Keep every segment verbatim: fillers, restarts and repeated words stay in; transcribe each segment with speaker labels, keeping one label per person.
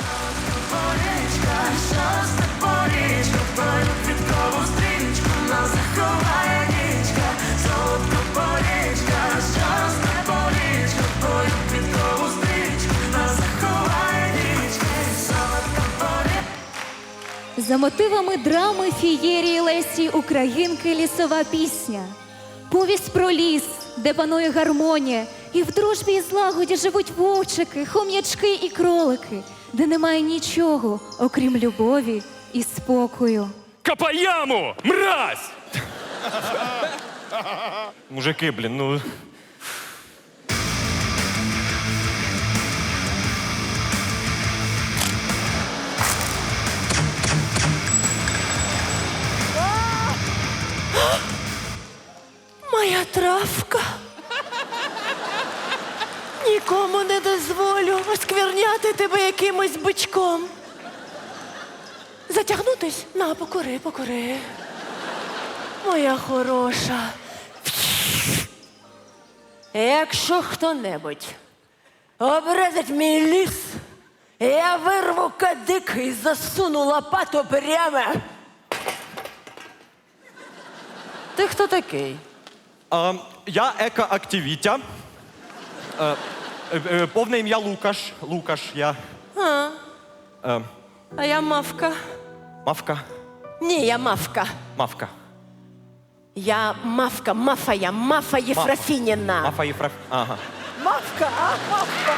Speaker 1: Щасна порічка, твою квіткову стрічку нас заховає нічка. Солодка порічка, щасна порічка, твою квіткову стрічку нас заховає нічка. Солодка порічка.
Speaker 2: За мотивами драми фієрії Лесі Українки лісова пісня. Повість про ліс, де панує гармонія, і в дружбі і злагоді живуть вовчики, хом'ячки і кролики, де немає нічого, окрім любові і спокою.
Speaker 3: Копай яму, мразь! Мужики, блін, ну...
Speaker 4: Моя травка. Нікому не дозволю оскверняти тебе якимось бичком. Затягнутись? На, покури, покури. Моя хороша. Якщо хто-небудь образить мій ліс, я вирву кадик і засуну лопату прямо. Ти хто такий?
Speaker 3: А, я екоактивітя. Е, е, е, повне ім'я Лукаш. Лукаш, я...
Speaker 4: А,
Speaker 3: Е,
Speaker 4: а я мавка.
Speaker 3: мавка.
Speaker 4: Ні, я мавка.
Speaker 3: Мавка.
Speaker 4: Я мавка, мафая, мафа Єфрофініна.
Speaker 3: Мафа Єфраф... Ага.
Speaker 4: Мавка, а, мавка.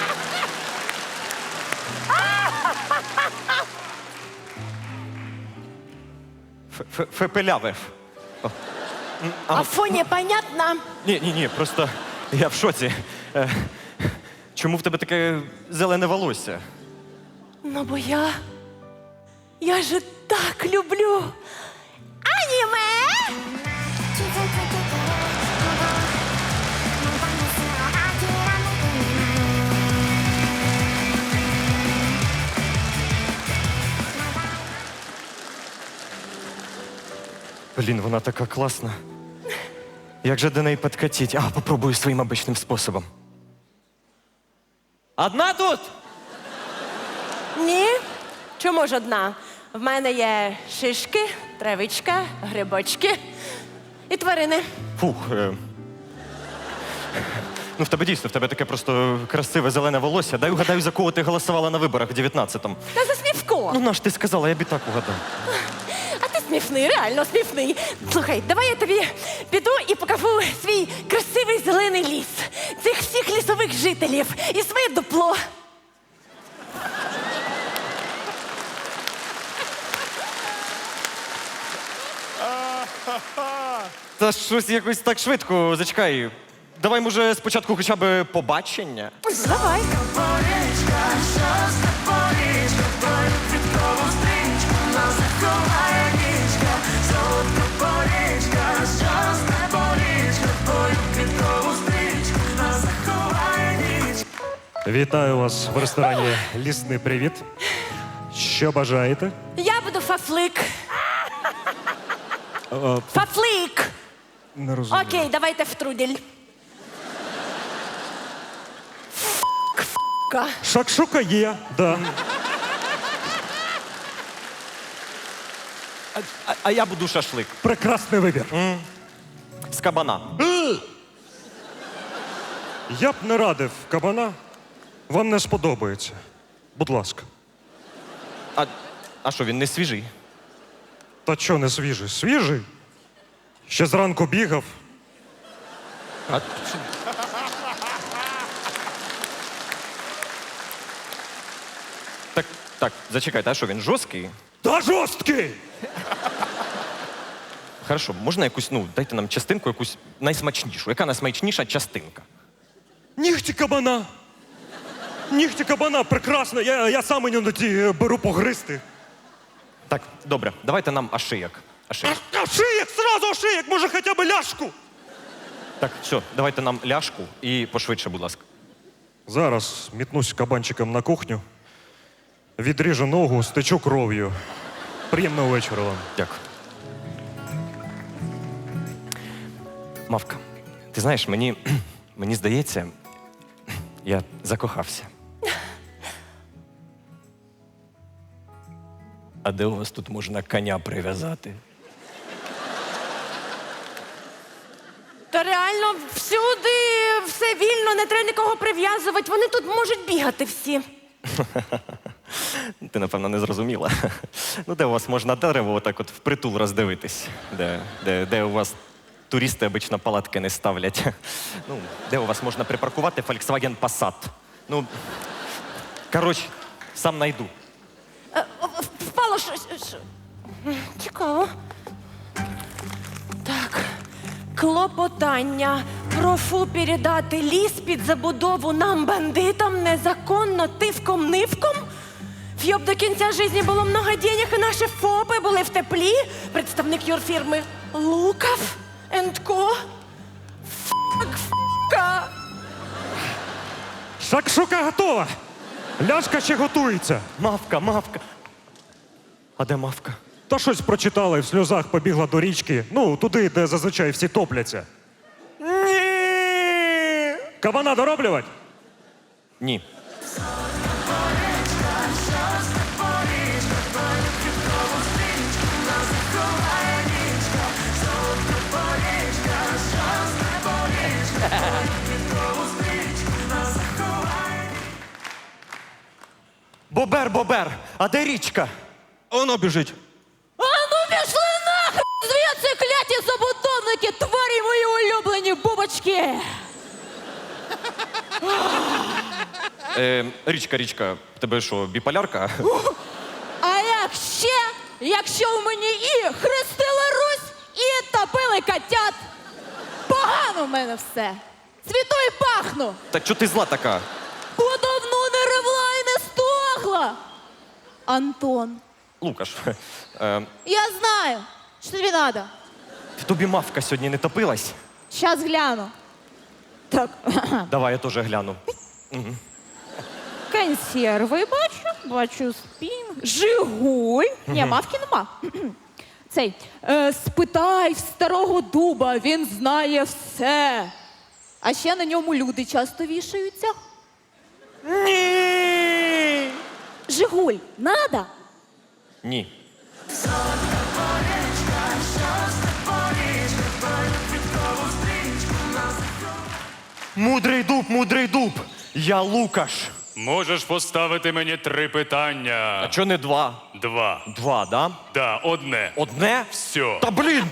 Speaker 3: Ф- ф- Фепелявев.
Speaker 4: А фоні понятно?
Speaker 3: Ні, ні, ні, просто я в шоці. Е, чому в тебе таке зелене волосся?
Speaker 4: Ну, бо я... Я же так люблю аніме!
Speaker 3: Блін, вона така класна. Як же до неї підкатіть? А, попробую своїм обичним способом. Одна тут?
Speaker 4: Ні, чому ж одна? В мене є шишки, травичка, грибочки і тварини.
Speaker 3: Фух. Е... Ну, в тебе дійсно, в тебе таке просто красиве зелене волосся. Дай угадаю, за кого ти голосувала на виборах в дев'ятнадцятому.
Speaker 4: Та за Смівко.
Speaker 3: Ну, наш ти сказала, я б і так угадав.
Speaker 4: А ти смішний, реально смішний. Слухай, давай я тобі піду і покажу свій красивий зелений ліс. Цих всіх лісових жителів і своє дупло.
Speaker 3: Та щось якось так швидко, зачекай. Давай, може, спочатку хоча б побачення?
Speaker 4: Давай.
Speaker 1: Порічка, щасна порічка, твою квіткову стрічку нас заховає нічка. Солодка порічка, щасна порічка, твою квіткову стрічку нас заховає нічка.
Speaker 5: Вітаю вас в ресторані «Лісний привіт». Що бажаєте?
Speaker 4: Я буду фафлик.
Speaker 5: Е,
Speaker 4: Фафлик.
Speaker 5: Не розумію.
Speaker 4: Окей, давайте в трудель. Ф**ка.
Speaker 5: Шакшука є, да.
Speaker 3: А, а, а я буду шашлик.
Speaker 5: Прекрасний вибір.
Speaker 3: З кабана.
Speaker 5: Я б не радив кабана. Вам не сподобається. Будь ласка.
Speaker 3: А, а що, він не свіжий?
Speaker 5: Та чо не свіжий? Свіжий? Ще зранку бігав.
Speaker 3: А, так, так, зачекайте, а що, він жорсткий?
Speaker 5: Та жорсткий!
Speaker 3: Хорошо, можна якусь, ну, дайте нам частинку, якусь найсмачнішу. Яка найсмачніша частинка?
Speaker 5: Нігті кабана. Нігті кабана, прекрасно. Я, я сам іноді беру погризти.
Speaker 3: Так, добре, давайте нам ашияк. Ашияк.
Speaker 5: А, а шиєк, сразу ошиєк, може хоча б ляшку.
Speaker 3: Так, все, давайте нам ляшку і пошвидше, будь ласка.
Speaker 5: Зараз мітнусь кабанчиком на кухню, відріжу ногу, стечу кров'ю. Приємного вечора вам.
Speaker 3: Дякую. Мавка, ти знаєш, мені, мені здається, я закохався. А де у вас тут можна коня прив'язати?
Speaker 4: Та реально всюди все вільно, не треба нікого прив'язувати. Вони тут можуть бігати всі.
Speaker 3: Ти, напевно, не зрозуміла. Ну, де у вас можна дерево отак от впритул роздивитись? Де, де, де у вас туристи обично палатки не ставлять? Ну, де у вас можна припаркувати Volkswagen Passat? Ну, коротше, сам найду.
Speaker 4: Е, о, Впало щось. що- Цікаво. Так. Клопотання. Прошу передати ліс під забудову нам, бандитам, незаконно, тивком-нивком. Фьоб до кінця житті було много денег, і наші ФОПи були в теплі. Представник юрфірми Лукав енд Ко. Фак, фака.
Speaker 5: Шакшука готова. Ляшка ще готується.
Speaker 3: Мавка, мавка. А де мавка?
Speaker 5: Та щось прочитала і в сльозах побігла до річки. Ну, туди, де зазвичай всі топляться.
Speaker 3: Ні!
Speaker 5: Кабана дороблювати?
Speaker 3: Ні. Бобер, бобер, а де річка? Воно біжить.
Speaker 2: А ну пішли нахуй! Звідси кляті забудовники, тварі мої улюблені бубочки!
Speaker 3: Е, річка, річка, в тебе що, біполярка?
Speaker 2: А як ще, якщо в мені і хрестили Русь, і топили котят? Погано в мене все. Цвіту і пахну,
Speaker 3: Та чого ти зла така?
Speaker 2: бо давно не ревла і не стогла. Антон,
Speaker 3: Лукаш, е,
Speaker 2: я знаю, що тобі треба.
Speaker 3: в тобі мавка сьогодні не топилась?
Speaker 2: Щас гляну. Так,
Speaker 3: Давай, я теж гляну.
Speaker 2: консерви бачу, бачу спінг, Жигуль. Ні, мавки нема. Цей, е, спитай в старого дуба, він знає все. А ще на ньому люди часто вішаються.
Speaker 3: Ні!
Speaker 2: Жигуль, надо?
Speaker 3: Ні. Мудрий дуб, мудрий дуб, я Лукаш.
Speaker 6: Можеш поставити мені три
Speaker 3: А
Speaker 6: питання.
Speaker 3: чого не два?
Speaker 6: Два.
Speaker 3: Два, да?
Speaker 6: Да, одне.
Speaker 3: Одне?
Speaker 6: Все.
Speaker 3: Та блін!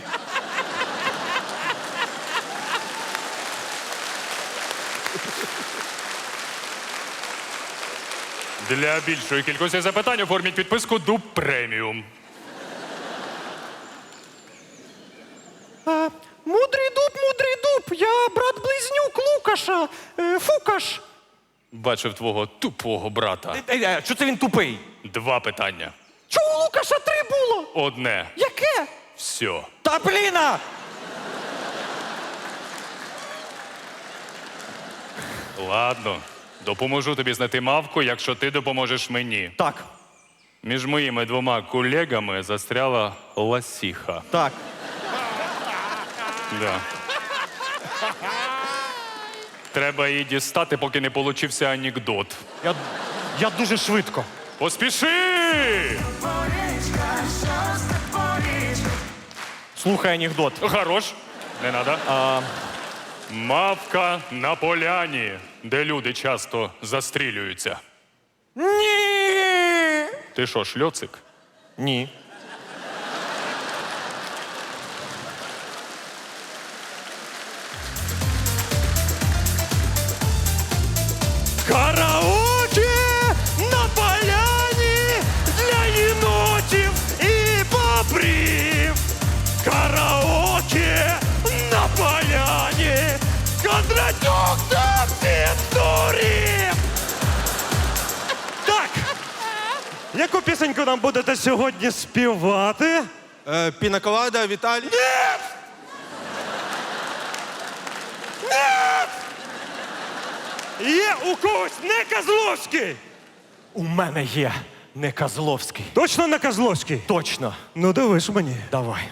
Speaker 6: Для більшої кількості запитань оформіть підписку Дуб преміум.
Speaker 3: А, мудрий дуб, мудрий дуб, я брат-близнюк Лукаша, е, Фукаш.
Speaker 6: Бачив твого тупого брата.
Speaker 3: Е, е, Що це він тупий?
Speaker 6: Два питання.
Speaker 3: Чого у Лукаша три було?
Speaker 6: Одне.
Speaker 3: Яке?
Speaker 6: Все.
Speaker 3: Та бліна!
Speaker 6: Ладно. Допоможу тобі знайти мавку, якщо ти допоможеш мені.
Speaker 3: Так,
Speaker 6: Між моїми двома колегами застряла ласіха.
Speaker 3: так.
Speaker 6: Да. Треба її дістати, поки не получився анекдот.
Speaker 3: Я, я дуже швидко.
Speaker 6: Поспіши!
Speaker 3: Слухай анекдот.
Speaker 6: Хорош. Не надо.
Speaker 3: А,
Speaker 6: Мавка на поляні, де люди часто застрілюються.
Speaker 3: ні!
Speaker 6: Ти що, шльоцик?
Speaker 3: Ні.
Speaker 5: Караоке на поляні для єнотів і бобрів. Караоке на поляні Кондратюк та Піндурів. Так, яку пісеньку нам будете сьогодні співати?
Speaker 7: Е, Пінаколада, Віталій.
Speaker 5: Є у когось не Козловський?
Speaker 3: У мене є не Козловський.
Speaker 5: Точно не Козловський?
Speaker 3: Точно.
Speaker 5: Ну дивись мені.
Speaker 3: Давай.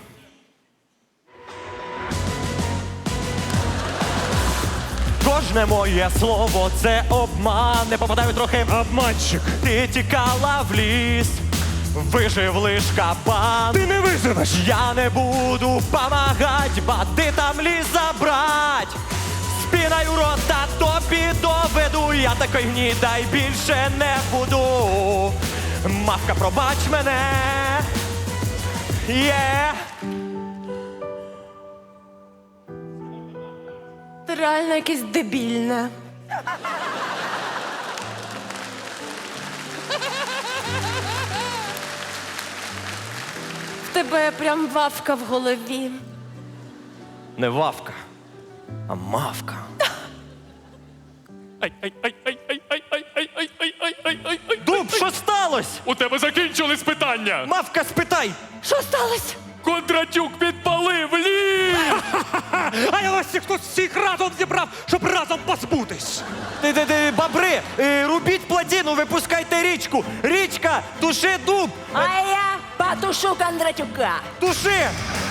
Speaker 3: Кожне моє слово це обман. Не попадаю трохи.
Speaker 5: Обманщик.
Speaker 3: Ти тікала в ліс, Вижив лиш кабан.
Speaker 5: Ти не виживеш!
Speaker 3: Я не буду помагать, бандитам ліс забрать. Спінаю рота, тобі доведу, я такий гнідай більше не буду. Мавка, пробач мене. Є.
Speaker 4: Ти реально якесь дебільне. В тебе прям вавка в голові.
Speaker 3: Не вавка, а мавка.
Speaker 6: Ай, ай, ай, ай, ай, ай, ай, ай, ай, ай, ай, ай, ай, ай.
Speaker 3: Дуб, що сталося?
Speaker 6: У тебе закінчились питання.
Speaker 3: Мавка, спитай.
Speaker 4: Що сталося?
Speaker 6: Кондратюк підпалив ліс!
Speaker 5: А я вас всіх тут всіх разом зібрав, щоб разом позбутись!
Speaker 3: Ти, ти, ти, бобри, е, рубіть плотину, випускайте річку. Річка, туши дуб,
Speaker 4: А я потушу Кондратюка.
Speaker 3: туши.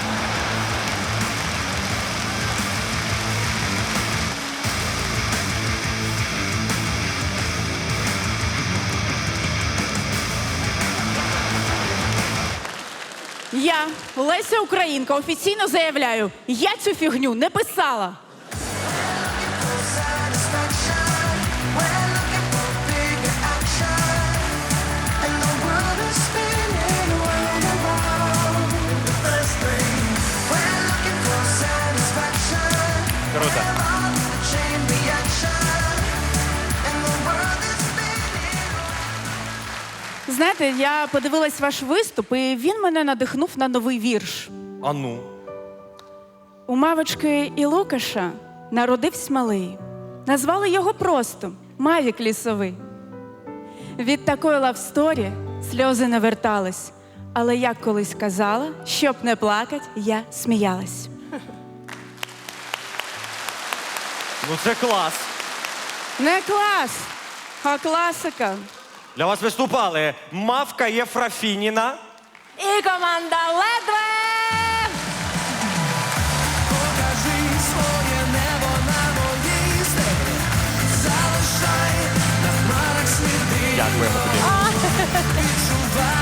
Speaker 8: Я, Леся Українка, офіційно заявляю, я цю фігню не писала.
Speaker 1: satisfaction. We're looking for bigger action, and the world is spinning round and round. The first thing, we're looking for satisfaction.
Speaker 3: Круто.
Speaker 1: We're on the chain reaction, and the world is spinning.
Speaker 8: Знаєте, я подивилась ваш виступ, і він мене надихнув на новий вірш.
Speaker 3: А ну.
Speaker 8: У Мавочки і Лукаша народився малий. Назвали його просто Мавік лісовий. Від такої лавсторі сльози не вертались. Але як колись казала, щоб не плакать, я сміялась.
Speaker 3: Ну це клас.
Speaker 8: Не клас, а класика.
Speaker 3: Для вас виступали Мавка Єфрафініна.
Speaker 4: І команда ледве.
Speaker 1: Покажи своє небо на моїй степі, залишай на хмарах сліди.
Speaker 3: Дякуємо тобі.
Speaker 1: Відчувай